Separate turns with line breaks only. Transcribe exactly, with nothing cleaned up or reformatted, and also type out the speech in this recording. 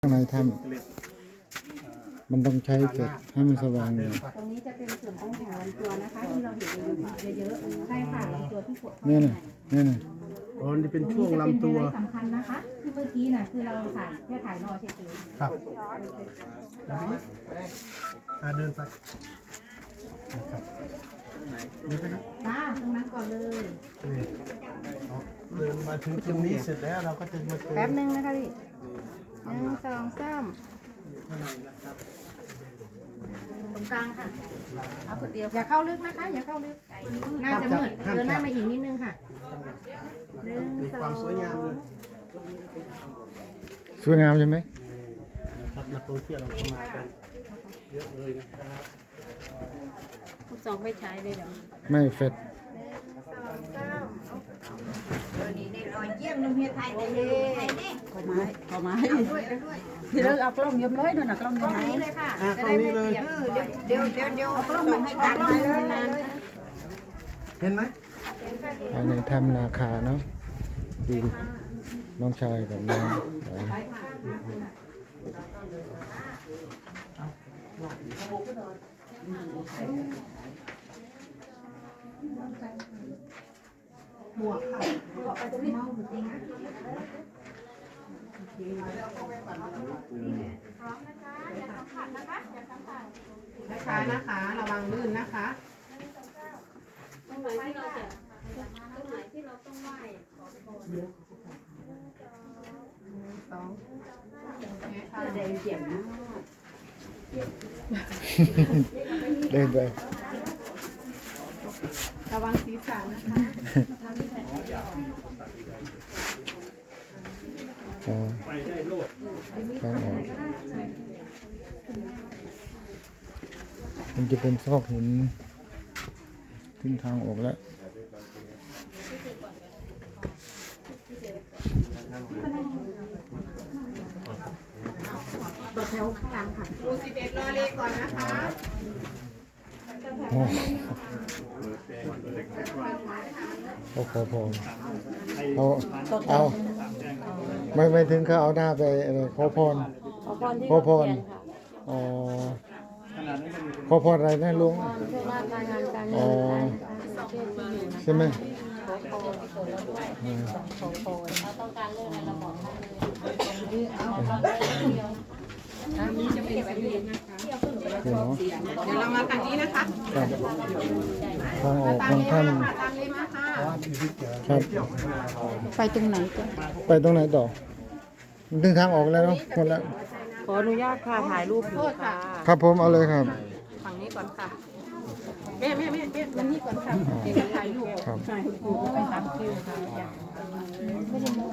ข้างในถ้ำมันต้องใช้เสร็จให้มันสว่างเลย
ตรงนี้จะเป็นส่วนของแถวลำตัวนะคะที่เราเห็นเยอะๆใช่ค่ะลำตัวที่กดเข้า
นี่
ไป
นะนี่นะ
อ๋อนี่เป็นช่วงลำตัว
ตรงนี้จะเป็นไฮไลท์สำคัญนะคะที่เมื่อกี้น่ะคือเราถ่ายแค่ถ่ายรอเฉย
ครับอ่าเดินไปนะครับนี่ไปครับ
ๆจ้าตรงนั้นก่อนเลย
นี่เอาเดินมาถึงตรงนี้เสร็จแล้วเราก็จะมาเจอ
แป๊บนึงนะคะพี่หนึ่งสองสามตรงกลางค่ะเอาคนเดียวอย่าเข้าลึกนะคะอย่าเข้าลึกน่าจะมืดเดินหน้ามาอีกนิดนึงค่ะหนึ่ง
มี
ส
ค
อ
วาม
ง
สวยงามเลย
สวยงามใช่ไหม
ครับนักท่องเที่ยวเราเข้ามากันเยอะเลยนะครับ
สองไม่ใช้เลยเดี๋ยว
ไม่เฟด
เยี่ยมลุงเฮียไทยเลยขอไม้ขอไม้
thì đó học lông nhóm mới nữa là lông
ตร
nhóm
งนี้
mới
เลยค่ะ
อ่ะตรงนี้เลย
เดี๋ยวเดี๋ยวเดี๋ยวเอากล้องมาให้ตัดให้นาน
เห็นไหม
ภายในถ้ำนาคาเนาะดูน้องชายกับน้อง
ช้าๆนะคะ ระวังลื่นนะคะ
ตรงไหนที่เราจะตรงไหนที่เราต้องไหว้ขอพร
สอง
แดงเจ็บนะ
เดินไป
ระวังศีรษะนะคะ
อ๋อทางออกมันจะเป็นซอกหินถึงทางออกแล้ว
ตัวแถวข้างหลังค่ะ
ดูสิบเอ็ดรอเลก่อนนะคะ
โอ้เขาขอพรเอาเอาไม่ไม่ถึงเขาเอาหน้าไปอะไรขอพร
ขอพรที่
ขอพร
เขียนค่ะ
อ๋อขอพรอะไรนะลุง
พรเพื่อว่าการงานการเงิ
อ๋อน
การประเทศที่อยู่นะ
ใช่ไหม
ขอพร
อืม
ขอพรถ้าต้องการเรื่องอะไรเราบอกได้เลย
อันนี้จะเป็นสีเหลืองนะคะ
เดี๋ยวเนาะ
เดี๋ยวเรามาทางนี้นะคะ
ครับทางออก
ตา
ข
ม
อง
เล
ท่าน
มาค่ะตามเลยมาค่ะ
ครับ
ไปตรงไหนกัน
ไปตรงไหนต่อถึงทางออกแล้วเนาะหมดแล้ว
ขออนุญาตค่ะถ่ายรูปอยู่ค่ะ
ครับผมเอาเลยครับ
ฝั่งนี้ก่อนค่ะ
แม่แม่แม่แม่มันนี่ก่อนค่ะเดี๋ยวจะถ่ายรูป
ครับ
ถ่ายรูปไปตามคิวค่ะ